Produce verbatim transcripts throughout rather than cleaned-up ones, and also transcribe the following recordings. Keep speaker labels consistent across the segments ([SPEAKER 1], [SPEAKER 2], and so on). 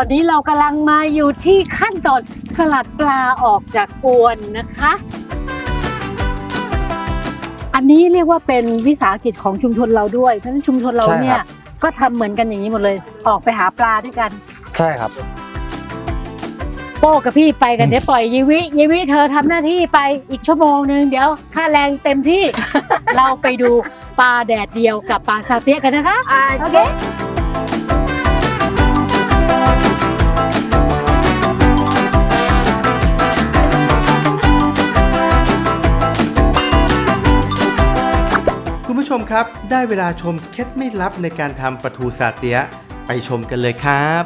[SPEAKER 1] อนนี้เรากำลังมาอยู่ที่ขั้นตอนสลัดปลาออกจากอวนนะคะอันนี้เรียกว่าเป็นวิสาหกิจของชุมชนเราด้วยเพราะฉะนั้นชุมชนเราเนี่ยก็ทำเหมือนกันอย่างนี้หมดเลยออกไปหาปลาด้วยกัน
[SPEAKER 2] ใช่ครับ
[SPEAKER 1] โป้กับพี่ไปกันเดี๋ยวปล่อยยีวิยีวิเธอทำหน้าที่ไปอีกชั่วโมงนึงเดี๋ยวค่าแรงเต็มที่ เราไปดูปลาแดดเดียวกับปลาซาเตียกันนะคะโอเค
[SPEAKER 3] คุณผู้ชมครับได้เวลาชมเคล็ดไม่ลับในการทำปลาทูซาเตียะไปชมกันเลยครับ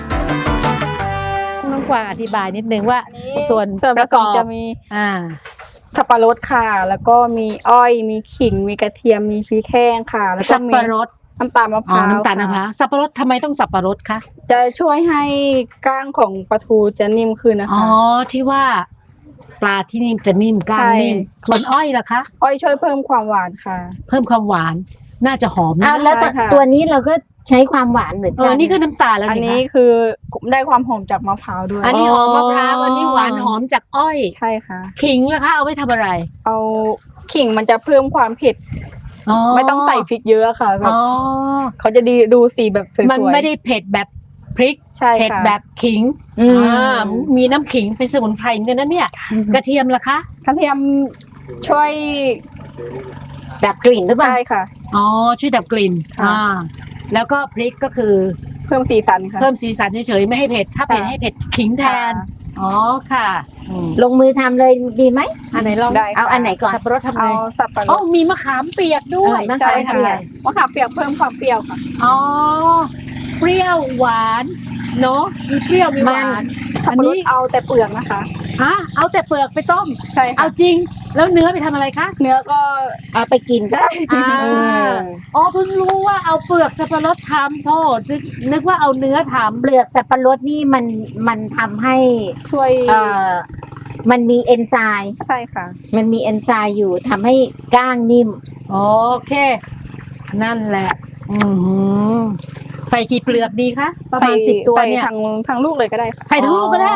[SPEAKER 1] น้องกวางอธิบายนิดนึงว่าส่วน
[SPEAKER 4] ส่วนประกอบจะมี
[SPEAKER 1] อ่า
[SPEAKER 4] สับปะรดค่ะแล้วก็มีอ้อยมีขิงมีกระเทียมมีพริกแห้งค่ะแล้วก็
[SPEAKER 1] สับปะรด
[SPEAKER 4] น้ำตาลมะพร้าว
[SPEAKER 1] น้ำตาลมะพร้าวสับปะรดทำไมต้องสับปะรดคะ
[SPEAKER 4] จะช่วยให้ก้างของปลาทูจะนิ่มขึ้นนะคะ
[SPEAKER 1] อ๋อที่ว่าปลาที่นิ่มจะนิ่มก้างนิ่มส่วนอ้อยล่ะคะ
[SPEAKER 4] อ้อยช่วยเพิ่มความหวานค่ะ
[SPEAKER 1] เพิ่มความหวานน่าจะหอมนะ
[SPEAKER 5] แล้วตัวนี้เราก็ใช้ความหวานเหมือนกัน
[SPEAKER 1] อันนี้คือน้ำตาลแล้ว
[SPEAKER 4] อันนี้คือได้ความหอมจากมะพร้าวด้วย
[SPEAKER 1] อันนี้หอมมะพร้าวอันนี้หวานหอมจากอ้อย
[SPEAKER 4] ใช่ค่ะ
[SPEAKER 1] ขิงล่ะคะเอาไว้ทำอะไร
[SPEAKER 4] เอาขิงมันจะเพิ่มความเผ็ดไม่ต้องใส่พริกเยอะค่ะแบบเขาจะดีดูสีแบบสวยๆ
[SPEAKER 1] มันไม่ได้เผ็ดแบบพริกเผ็ดแบบขิงมีน้ำขิงเป็นสมุนไพรเหมือนกันนะเนี่ยกระเทียมล่ะคะ
[SPEAKER 4] กระเทียมช่วย
[SPEAKER 5] ดับกลิ่นหรือเปล่า
[SPEAKER 4] ใช่ค่ะ
[SPEAKER 1] อ๋อช่วยดับกลิ่นอ่าแล้วก็พริกก็คือ
[SPEAKER 4] เพิ่มสีสันค่ะ
[SPEAKER 1] เพิ่มสีสันเฉยๆไม่ให้เผ็ดถ้าเผ็ดให้เผ็ดขิงแทนอ๋อค่ะ
[SPEAKER 5] ลงมือทำเลยดีไหม
[SPEAKER 1] อันไหนลอง
[SPEAKER 5] เอาอันไหนก่อน
[SPEAKER 1] สับปะรดทำไง
[SPEAKER 4] เอาสับปะรด
[SPEAKER 1] อ๋อมีมะขามเปียกด้วย
[SPEAKER 4] ใช่ค่ะมะขามเปียกเพิ่มความเปรี้ยวค่ะ
[SPEAKER 1] อ๋อเปรี้ยวหวานเนาะมีเปรี้ยวมีหวาน
[SPEAKER 4] สับปะรดเอาแต่เปลือกนะคะ
[SPEAKER 1] ฮะเอาแต่เปลือกไปต้ม
[SPEAKER 4] ใช่ค่ะ
[SPEAKER 1] เอาจริงแล้วเนื้อไปทำอะไรคะ
[SPEAKER 4] เนื้อก็
[SPEAKER 5] เอาไปกิน
[SPEAKER 4] ได้
[SPEAKER 1] อ่าอ๋อเพิ่งรู้ว่าเอาเปลือกสับปะรดทำโทษนึกว่าเอาเนื้อทำ
[SPEAKER 5] เปลือกสับปะรดนี่มันมันทำให้
[SPEAKER 4] ช่วย
[SPEAKER 5] เอ่อมันมีเอนไซม์
[SPEAKER 4] ใช่ค่ะ
[SPEAKER 5] มันมีเอนไซม์อยู่ทำให้ก้างนิ่ม
[SPEAKER 1] โอเคนั่นแหละอืมใส่กี่เปลือกดีคะประมาณสิบตัวเนี่ย
[SPEAKER 4] ทั้งทั้งลูกเลยก็ได้ค่ะ
[SPEAKER 1] ใส่ทั้งลูกก็ได้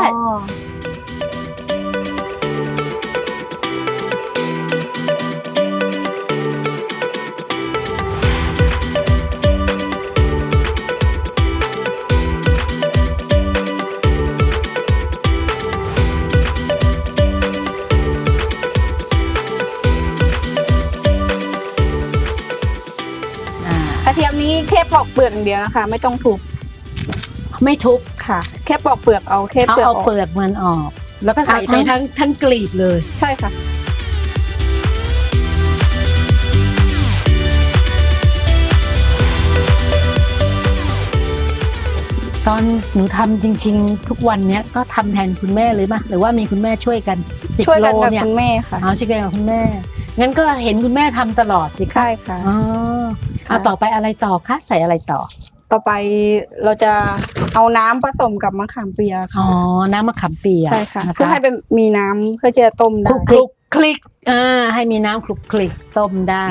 [SPEAKER 4] กระเทียมนี้แค่ปอกเปลือกอย่างเดียวนะคะไม่ต้องทุบ
[SPEAKER 1] ไม่ทุบ
[SPEAKER 4] ค่ะแค่ปอกเปลือกเอาแค่เปลือก
[SPEAKER 1] เอาเปลือกมันออกแล้วก็ใส่ไปทั้งทั้งกลีบเลย
[SPEAKER 4] ใช่ค่ะ
[SPEAKER 1] ตอนหนูทำจริงๆทุกวันเนี้ยก็ทำแทนคุณแม่เลยป่ะหรือว่ามีคุณแม่ช่วยกันสิบโลเนี่ย
[SPEAKER 4] คุณแม่ค่ะ
[SPEAKER 1] อ๋อช่วยกันกับคุณแม่งั้นก็เห็นคุณแม่ทำตลอดสิ
[SPEAKER 4] ใช่ค่ะ
[SPEAKER 1] อ๋อเอาต่อไปอะไรต่อคะใส่อะไรต่อ
[SPEAKER 4] ต่อไปเราจะเอาน้ำผสมกับมะขามเปียก
[SPEAKER 1] อ๋อน้ำมะขามเปียก
[SPEAKER 4] ใช่ค่ะเพื่อให้เป็นมีน้ำเพื่อจะต้มได้
[SPEAKER 1] คลุกคลิกอ่าให้มีน้ำคลุกคลิกต้มได้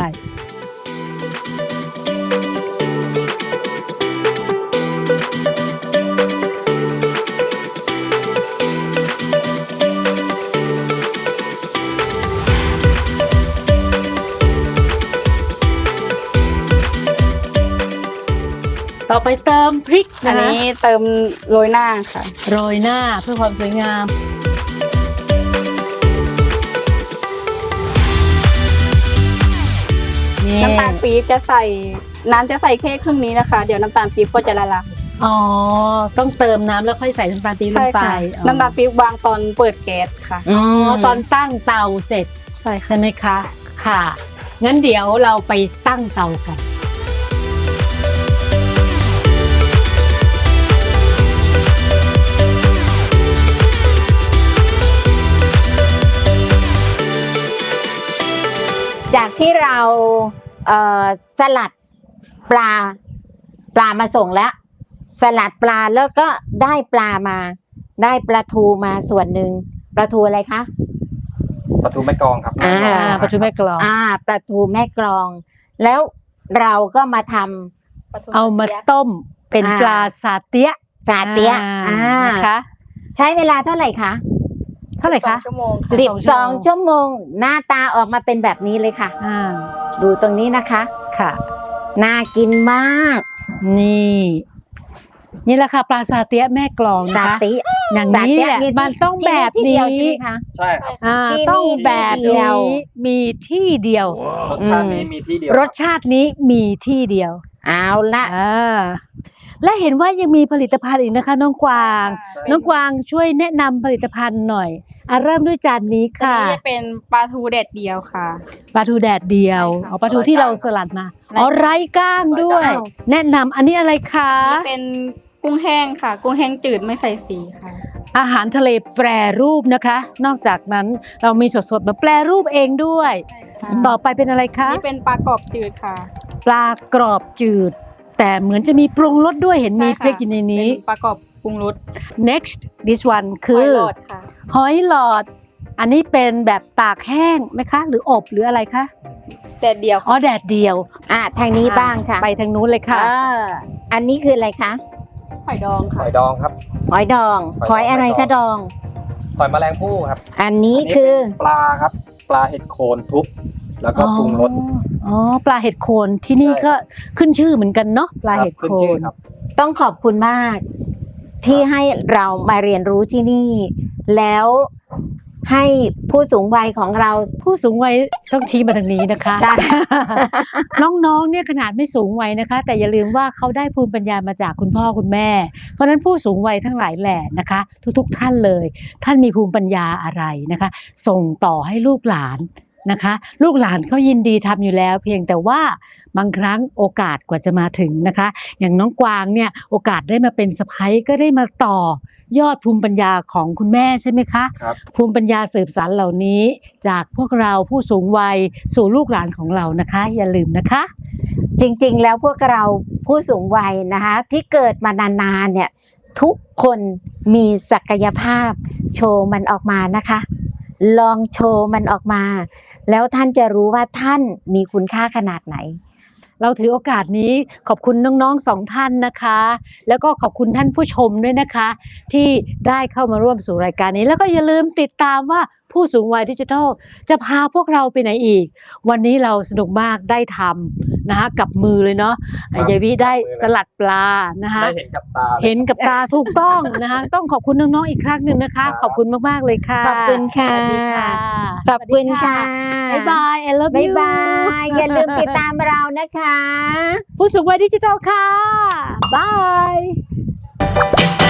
[SPEAKER 1] ต่อไปเติมพริก
[SPEAKER 4] อันนี้เติมโรยหน้าค่ะ
[SPEAKER 1] โรยหน้าเพื่อความสวยงาม
[SPEAKER 4] น้ำตาลปี๊บจะใส่น้ำจะใส่แค่ครึ่งนี้นะคะเดี๋ยวน้ำตาลปี๊บก็จะละลาย
[SPEAKER 1] อ๋อต้องเติมน้ำแล้วค่อยใส่น้ำตาลปี๊บลงไป
[SPEAKER 4] น้ำตาลปี๊บวางตอนเปิดแก๊สค่ะ
[SPEAKER 1] อ๋อตอนตั้งเตาเสร็จใช่ใช่ไหมคะค่ะงั้นเดี๋ยวเราไปตั้งเตากัน
[SPEAKER 5] จากที่เราเอ่อสลัดปลาปลามาส่งแล้วสลัดปลาแล้วก็ได้ปลามาได้ปลาทูมาส่วนหนึ่งปลาทูอะไรคะ
[SPEAKER 2] ปลาทูแม่กลองครับ
[SPEAKER 1] อ่าปลาทูแม่กลอง
[SPEAKER 5] อ่าปลาทูแม่กลองแล้วเราก็มาทำ
[SPEAKER 1] เอามาต้มเป็นปลาซาเตียะ
[SPEAKER 5] ซาเตียะ
[SPEAKER 1] อ่า
[SPEAKER 5] อ่า
[SPEAKER 1] นะคะ
[SPEAKER 5] ใช้เวลาเท่าไหร่คะ
[SPEAKER 1] เท่าไหร่คะ
[SPEAKER 4] ชั่วโมง
[SPEAKER 5] สิบสองชั่วโมงหน้าตาออกมาเป็นแบบนี้เลยค่ะ
[SPEAKER 1] อ่า
[SPEAKER 5] ดูตรงนี้นะคะ
[SPEAKER 1] ค่ะ
[SPEAKER 5] น่ากินมาก
[SPEAKER 1] นี่ นี่แหละค่ะปลาซาเตียะแม่กลองนะ
[SPEAKER 5] ซา
[SPEAKER 1] คะ
[SPEAKER 5] ติ
[SPEAKER 1] อย่าง
[SPEAKER 5] ซา
[SPEAKER 1] นี้
[SPEAKER 5] เตียะ
[SPEAKER 1] แหละ
[SPEAKER 5] มีที่
[SPEAKER 1] มันต้องแบบ
[SPEAKER 5] ที่
[SPEAKER 1] นี้
[SPEAKER 5] เดียวใช่ไหมคะ
[SPEAKER 2] ใช่ครับ
[SPEAKER 1] อ่า
[SPEAKER 5] ที่
[SPEAKER 1] ต้อง
[SPEAKER 5] นี่
[SPEAKER 1] แบบ
[SPEAKER 5] ที่เดียว
[SPEAKER 1] นี้มีที่เดียว
[SPEAKER 2] รสชาตินี้มีที่เดียว
[SPEAKER 1] รสชาตินี้มีที่เดียว
[SPEAKER 5] เอาละ
[SPEAKER 1] อ่าและเห็นว่ายังมีผลิตภัณฑ์อีกนะคะ น้องกวาง น้องกวางช่วยแนะนำผลิตภัณฑ์หน่อยอ่ะเริ่มด้วยจานนี้
[SPEAKER 4] ตัว
[SPEAKER 1] ค่ะ
[SPEAKER 4] นี้จะเป็นปลาทูแดดเดียวค่ะ
[SPEAKER 1] ปลาทูแดดเดียว
[SPEAKER 4] ใช่ค่ะ
[SPEAKER 1] อ๋อปลาทูที่เราสลัดมาอ๋อไร้ก้างด้วย แนะนำอันนี้อะไรคะ
[SPEAKER 4] นี่เป็นกุ้งแห้งค่ะ กุ้งแห้งจืดไม่ใส่สีค่ะ
[SPEAKER 1] อาหารทะเลแปรรูปนะคะ นอกจากนั้นเรามีสดๆมาแปรรูปเองด้วย ต่อไปเป็นอะไรคะ
[SPEAKER 4] นี่เป็นปลากรอบจืดค่ะ
[SPEAKER 1] ปลากรอบจืด แต่เหมือนจะมีปรุงรสด้วยเห็นมี
[SPEAKER 4] ใช่
[SPEAKER 1] พริกอยู่ในนี้
[SPEAKER 4] เป็นปลากรอบปรุงรส
[SPEAKER 1] next this one คื
[SPEAKER 4] หอย
[SPEAKER 1] อ
[SPEAKER 4] หลอดค่ะ
[SPEAKER 1] หอยหลอด อันนี้เป็นแบบตากแห้งไหมคะ หรืออบหรืออะไรคะ
[SPEAKER 4] แดดเดียว
[SPEAKER 1] อ๋อ
[SPEAKER 4] ค่ะ
[SPEAKER 1] แดดเดียว
[SPEAKER 5] อ่ะทางนี้บ้างค่ะ
[SPEAKER 1] ไปทางนู้นเลยค่ะ
[SPEAKER 5] เอออันนี้คืออะไรคะ
[SPEAKER 4] หอยดอง
[SPEAKER 2] ห
[SPEAKER 4] ค่ะ
[SPEAKER 2] อยดองครับ
[SPEAKER 5] หอยดอง
[SPEAKER 2] ห
[SPEAKER 5] ห
[SPEAKER 2] อยดอง
[SPEAKER 5] อยอะไรคะดอง
[SPEAKER 2] หอยแมลงภู่ครับ
[SPEAKER 5] อันนี้
[SPEAKER 2] อันนี้
[SPEAKER 5] คือ
[SPEAKER 2] เป็นปลาครับ ปลาเห็ดโคนทุบ แล้วก็ปรุงรส
[SPEAKER 1] อ๋อ ปลาเห็ดโคนที่นี่
[SPEAKER 2] ใช่
[SPEAKER 1] ก็ขึ้นชื่อเหมือนกันเนาะ ปลาเห็ด
[SPEAKER 2] ขึ้
[SPEAKER 1] โคน
[SPEAKER 2] ชื่อน ครับ
[SPEAKER 5] ต้องขอบคุณมาก ที่ให้เรามาเรียนรู้ที่นี่ แล้วให้ผู้สูงวัยของเรา
[SPEAKER 1] ผู้สูงวัยต้องชี้มาทางนี้นะคะ
[SPEAKER 5] ใช่
[SPEAKER 1] น้องๆ เนี่ยขนาดไม่สูงวัยนะคะ แต่อย่าลืมว่าเขาได้ภูมิปัญญามาจากคุณพ่อคุณแม่ เพราะฉะนั้นผู้สูงวัยทั้งหลายแหละนะคะ ทุกๆท่านเลย ท่านมีภูมิปัญญาอะไรนะคะ ส่งต่อให้ลูกหลานนะคะ ลูกหลานเขายินดีทำอยู่แล้ว เพียงแต่ว่าบางครั้งโอกาสกว่าจะมาถึงนะคะ อย่างน้องกวางเนี่ยโอกาสได้มาเป็นสะใภ้ก็ได้มาต่อยอดภูมิปัญญาของคุณแม่ใช่ไหมคะ
[SPEAKER 2] ครับ
[SPEAKER 1] ภูมิปัญญาสืบสานเหล่านี้จากพวกเราผู้สูงวัยสู่ลูกหลานของเรานะคะ อย่าลืมนะคะ
[SPEAKER 5] จริงๆ แล้วพวกเราผู้สูงวัยนะคะ ที่เกิดมานานๆเนี่ยทุกคนมีศักยภาพโชว์มันออกมานะคะ ลองโชว์มันออกมา แล้วท่านจะรู้ว่าท่านมีคุณค่าขนาดไหน
[SPEAKER 1] เราถือโอกาสนี้ขอบคุณน้องๆสองท่านนะคะ แล้วก็ขอบคุณท่านผู้ชมด้วยนะคะ ที่ได้เข้ามาร่วมสู่รายการนี้ แล้วก็อย่าลืมติดตามว่าผู้สูงวัยดิจิทัลจะพาพวกเราไปไหนอีก วันนี้เราสนุกมากได้ทำนะคะกับมือเลยเนาะ
[SPEAKER 2] ครับ
[SPEAKER 1] ยายวิได้
[SPEAKER 2] กับมือเลย
[SPEAKER 1] สลัดปลานะคะ
[SPEAKER 2] ได้เห็นกับตาลย
[SPEAKER 1] เห็นกับตาถูกต้องนะคะ ต้องขอบคุณน้องๆอีกครั้งหนึ่งนะคะ
[SPEAKER 2] ครับ
[SPEAKER 1] ขอบคุณมากๆเลยค่ะ
[SPEAKER 5] ขอบคุณค่ะ
[SPEAKER 1] สวัสดีค่ะ
[SPEAKER 5] ขอบคุณค่ะ
[SPEAKER 1] บ๊ายบาย I love
[SPEAKER 5] บ๊าย
[SPEAKER 1] you
[SPEAKER 5] บาย อย่าลืมติดตามเรานะคะ
[SPEAKER 1] ผู้สูงวัยดิจิทัลค่ะ บาย